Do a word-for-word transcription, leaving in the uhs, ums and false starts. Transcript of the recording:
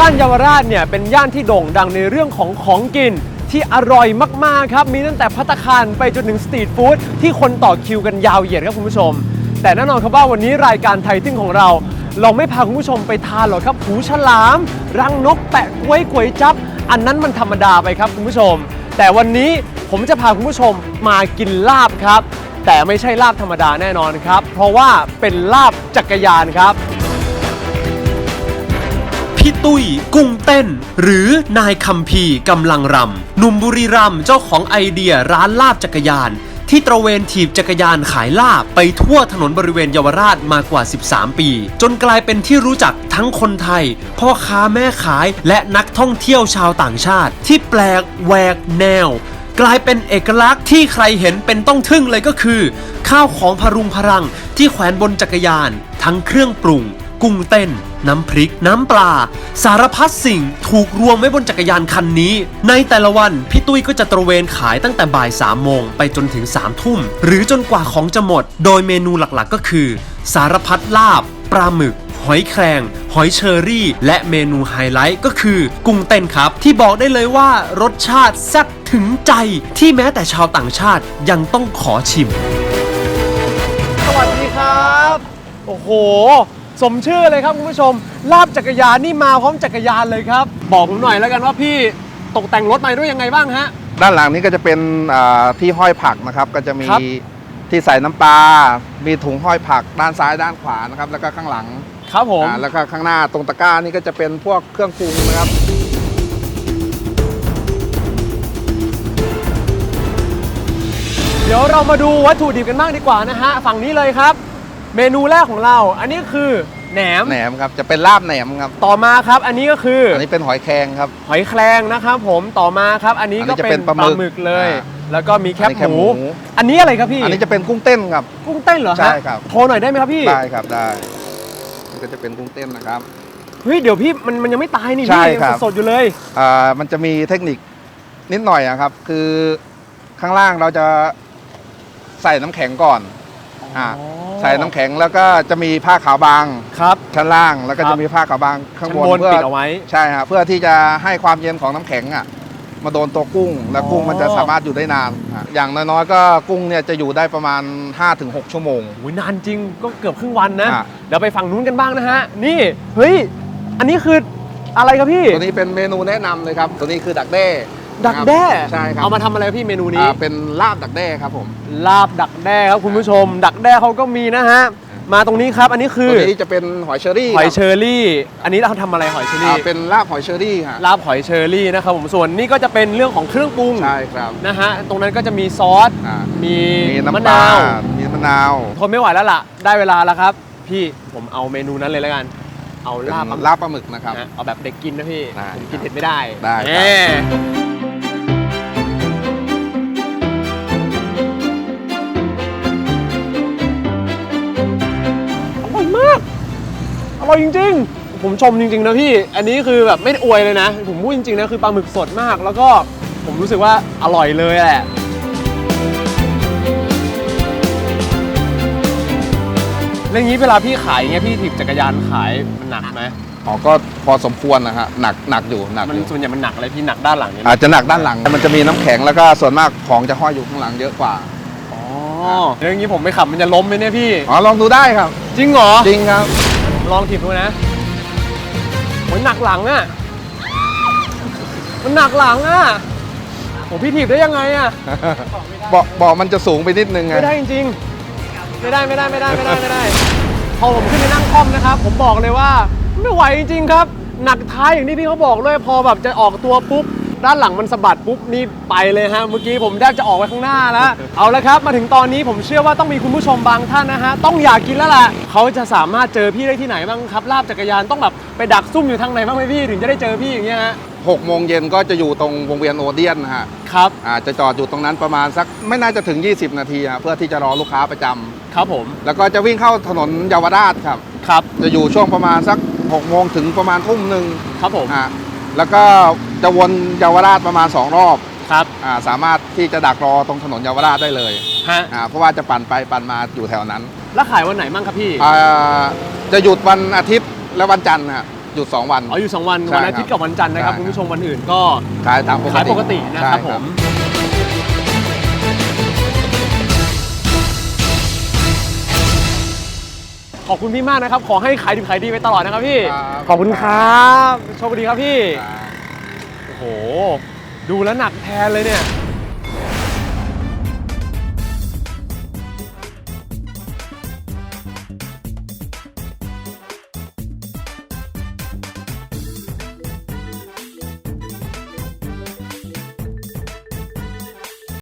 ย่านเยาวราชเนี่ยเป็นย่านที่โด่งดังในเรื่องของของกินที่อร่อยมากๆครับมีตั้งแต่ภัตตาคารไปจนถึงสตรีทฟู้ดที่คนต่อคิวกันยาวเหยียดครับคุณผู้ชมแต่แน่นอนครับว่าวันนี้รายการไทยทึ่งของเราเราไม่พาคุณผู้ชมไปทานหรอกครับหูฉลามรังนกแปะกล้วยก๋วยจั๊บอันนั้นมันธรรมดาไปครับคุณผู้ชมแต่วันนี้ผมจะพาคุณผู้ชมมากินลาบครับแต่ไม่ใช่ลาบธรรมดาแน่นอนครับเพราะว่าเป็นลาบจักรยานครับพี่ตุ้ยกุ้งเต้นหรือนายคัมภีร์กำลังรำหนุ่มบุรีรัมย์เจ้าของไอเดียร้านลาบจักรยานที่ตระเวนถีบจักรยานขายลาบไปทั่วถนนบริเวณเยาวราชมากว่าสิบสามปีจนกลายเป็นที่รู้จักทั้งคนไทยพ่อค้าแม่ขายและนักท่องเที่ยวชาวต่างชาติที่แปลกแหวกแนวกลายเป็นเอกลักษณ์ที่ใครเห็นเป็นต้องทึ่งเลยก็คือข้าวของพรุงพรังที่แขวนบนจักรยานทั้งเครื่องปรุงกุ้งเต้นน้ำพริกน้ำปลาสารพัดสิ่งถูกรวมไว้บนจักรยานคันนี้ในแต่ละวันพี่ตุ้ยก็จะตระเวนขายตั้งแต่บ่ายสามโมงไปจนถึงสามทุ่มหรือจนกว่าของจะหมดโดยเมนูหลักๆก็คือสารพัดลาบปลาหมึกหอยแครงหอยเชอรี่และเมนูไฮไลท์ก็คือกุ้งเต้นครับที่บอกได้เลยว่ารสชาติแซ่บถึงใจที่แม้แต่ชาวต่างชาติยังต้องขอชิมสวัสดีครับโอ้โหสมชื่อเลยครับคุณผู้ชมลาบจักรยานนี่มาพร้อมจักรยานเลยครับบอกผมหน่อยแล้วกันว่าพี่ตกแต่งรถมาด้วยยังไงบ้างฮะด้านหลังนี้ก็จะเป็นที่ห้อยผักนะครับก็จะมีที่ใส่น้ำปลามีถุงห้อยผักด้านซ้ายด้านขวานะครับแล้วก็ข้างหลังครับผมแล้วก็ข้างหน้าตรงตะกร้านี่ก็จะเป็นพวกเครื่องปรุงนะครับเดี๋ยวเรามาดูวัตถุดิบกันบ้างดีกว่านะฮะฝั่งนี้เลยครับเมนูแรกของเราอันนี้คือแหนมแหนมครับจะเป็นลาบแหนมครับต่อมาครับอันนี้ก็คืออันนี้เป็นหอยแครงครับหอยแครงนะครับผมต่อมาครับอันนี้ก็เป็นปลาหมึกเลยแล้วก็มีแคบหมูอันนี้อะไรครับพี่อันนี้จะเป็นกุ้งเต้นครับกุ้งเต้นเหรอฮะใช่ครับโทรหน่อยได้ไหมครับพี่ได้ครับได้นี่ก็จะเป็นกุ้งเต้นนะครับเฮ้ยเดี๋ยวพี่มันมันยังไม่ตายนี่พี่ยังสดอยู่เลยอ่ามันจะมีเทคนิคนิดหน่อยครับคือข้างล่างเราจะใส่น้ำแข็งก่อนอ่าใส่น้ำแข็งแล้วก็จะมีผ้าขาวบางครับชั้นล่างแล้วก็จะมีผ้าขาวบางข้างบนเพื่อปิดเอาไว้ใช่ครับเพื่อที่จะให้ความเย็นของน้ำแข็งอ่ะมาโดนตัวกุ้งแล้วกุ้งมันจะสามารถอยู่ได้นานอย่างน้อยๆก็กุ้งเนี่ยจะอยู่ได้ประมาณ ห้าถึงหก ชั่วโมงโอ้ยนานจริงก็เกือบครึ่งวันนะเดี๋ยวไปฝั่งนู้นกันบ้างนะฮะนี่เฮ้ยอันนี้คืออะไรครับพี่ตัวนี้เป็นเมนูแนะนำเลยครับตัวนี้คือดักแด้ดักแด้ใช่ครับเอามาทำอะไรพี่เมนูนี้เป็นลาบดักแด้ครับผมลาบดักแด้ครับคุณผู้ชมดักแด้เขาก็มีนะฮะมาตรงนี้ครับอันนี้คือตัวนี้จะเป็นหอยเชอรี่หอยเชอรี่อันนี้เราทำอะไรหอยเชอรี่เป็นลาบหอยเชอรี่ครับลาบหอยเชอรี่นะครับผมส่วนนี้ก็จะเป็นเรื่องของเครื่องปรุงใช่ครับนะฮะตรงนั้นก็จะมีซอสมีมะนาวมีมะนาวทนไม่ไหวแล้วล่ะได้เวลาแล้วครับพี่ผมเอาเมนูนั้นเลยแล้วกันเอาลาบลาบปลาหมึกนะครับเอาแบบเด็กกินนะพี่ผมกินเผ็ดไม่ได้ได้อร่อยจริงๆผมชมจริงๆนะพี่อันนี้คือแบบไม่อวยเลยนะผมพูดจริงๆนะคือปลาหมึกสดมากแล้วก็ผมรู้สึกว่าอร่อยเลยแหละเรื่องนี้เวลาพี่ขายเงี้ยพี่ถีบจักรยานขายมันหนักไหมอ๋อก็พอสมควรนะฮะหนักหนักอยู่หนักมันส่วนใหญ่มันหนักอะไรพี่หนักด้านหลังเนี่ยอาจจะหนักด้านหลังมันจะมีน้ำแข็งแล้วก็ส่วนมากของจะห้อยอยู่ข้างหลังเยอะกว่าอ๋อเรื่องนี้ผมไม่ขับมันจะล้มไหมเนี่ยพี่อ๋อลองดูได้ครับจริงเหรอจริงครับลองถีบดูนะโหหนักหลังอ่ะมันหนักหลังอ่ะโหพี่ถีบได้ยังไงอ่ะเบาะเบาะมันจะสูงไปนิดนึงไงไม่ได้จริงๆไม่ได้ไม่ได้ไม่ได้ไม่ได้ไม่ได้พอผมขึ้นไปนั่งคล่อมนะครับผมบอกเลยว่าไม่ไหวจริงๆครับหนักท้ายอย่างที่พี่เขาบอกเลยพอแบบจะออกตัวปุ๊บด้านหลังมันสะบัดปุ๊บนี่ไปเลยฮะเมื่อกี้ผมแทบจะออกไปข้างหน้าแล้วเอาละครับมาถึงตอนนี้ผมเชื่อว่าต้องมีคุณผู้ชมบางท่านนะฮะต้องอยากกินแล้วล่ะเขาจะสามารถเจอพี่ได้ที่ไหนบ้างครับลาบจักรยานต้องแบบไปดักซุ่มอยู่ทางไหนบ้างไหมพี่ถึงจะได้เจอพี่อย่างเงี้ยฮะหกโมงเย็นก็จะอยู่ตรงวงเวียนโอเดียนฮะครับอาจจะจอดอยู่ตรงนั้นประมาณสักไม่น่าจะถึงยี่สิบนาทีเพื่อที่จะรอลูกค้าประจำครับผมแล้วก็จะวิ่งเข้าถนนเยาวราชครับครับจะอยู่ช่วงประมาณสักหกโมงถึงประมาณทุ่มหนึ่งครับผมอ่าแล้วก็จะวนเยาวราชประมาณสองรอบครับอ่าสามารถที่จะดักรอตรงถนนเยาวราชได้เลยฮะอ่าเพราะว่าจะปั่นไปปั่นมาอยู่แถวนั้นแล้วขายวันไหนบ้างครับพี่อ่าจะหยุดวันอาทิตย์และวันจันทร์ฮะหยุดสองวันอ๋ออยู่สองวันใช่วันอาทิตย์กับวันจันทร์นะครับใช่คุณผู้ชมวันอื่นก็ขายตามปกติขายปกตินะครับใช่ผมขอบคุณพี่มากนะครับขอให้ขายดีขายดีไปตลอดนะครับพี่ครับขอบคุณครับโชคดีครับพี่ครับโอ้โหดูแล้วหนักแทนเลยเนี่ย